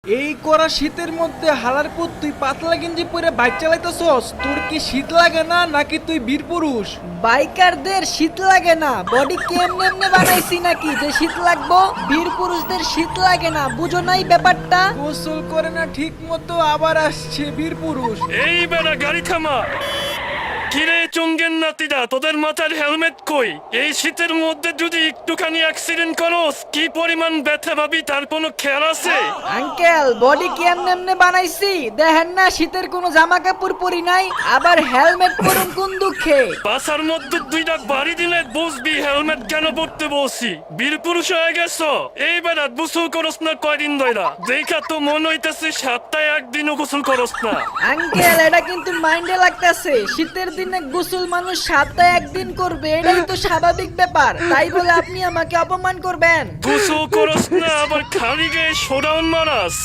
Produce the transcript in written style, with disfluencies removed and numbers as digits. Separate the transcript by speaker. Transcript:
Speaker 1: এই করা শীতের মধ্যে হালার পুত তুই পাতলা গেঞ্জি পরে বাইক চালাইতেছস। তোর কি শীত লাগে না নাকি তুই বীর পুরুষ?
Speaker 2: বাইকারদের শীত লাগে না, বডি কেমনে এমনে বানাইছি নাকি যে শীত লাগবো? বীর পুরুষদের শীত লাগে না, বুঝো নাই ব্যাপারটা?
Speaker 1: গোসল করে না ঠিক মতো আবার আসছে বীর পুরুষ।
Speaker 3: এই বেড়া গাড়ি থামা। কিরে চুঙ্গের নাতিরা, তোদের মাথার হেলমেট কই? এই শীতের মধ্যে যদি একটুখানি অ্যাক্সিডেন্ট করোস কি পরিমাণ ব্যথা পাবি তার কোনো খেয়াল আছে?
Speaker 2: আঙ্কেল বডি কেমনে এমনে বানাইছি দেখেন না, শীতের কোনো জামা কাপড় পরি নাই, আবার হেলমেট পরুন কোন দুঃখে?
Speaker 3: বাসার মধ্যে দুইটা বাড়ি দিলে বুঝবি হেলমেট কেন পড়তে বলছি। বীর পুরুষ হয়ে গেছো। এই বেড়া গোসল করস না কয়দিন ধইরা? দেখা তো মন হইতেছে সপ্তাহে একদিনও গোসল করস না।
Speaker 2: আঙ্কেল এটা কিন্তু মাইন্ডে লাগতেছে, শীতের দিনে গোসল মানুষ সপ্তাহে একদিন করবে, এটাই তো স্বাভাবিক ব্যাপার, তাই বলে আপনি আমাকে অপমান করবেন?
Speaker 3: গোসল করস না আবার খালি গায়ে শোডাউন মারাস।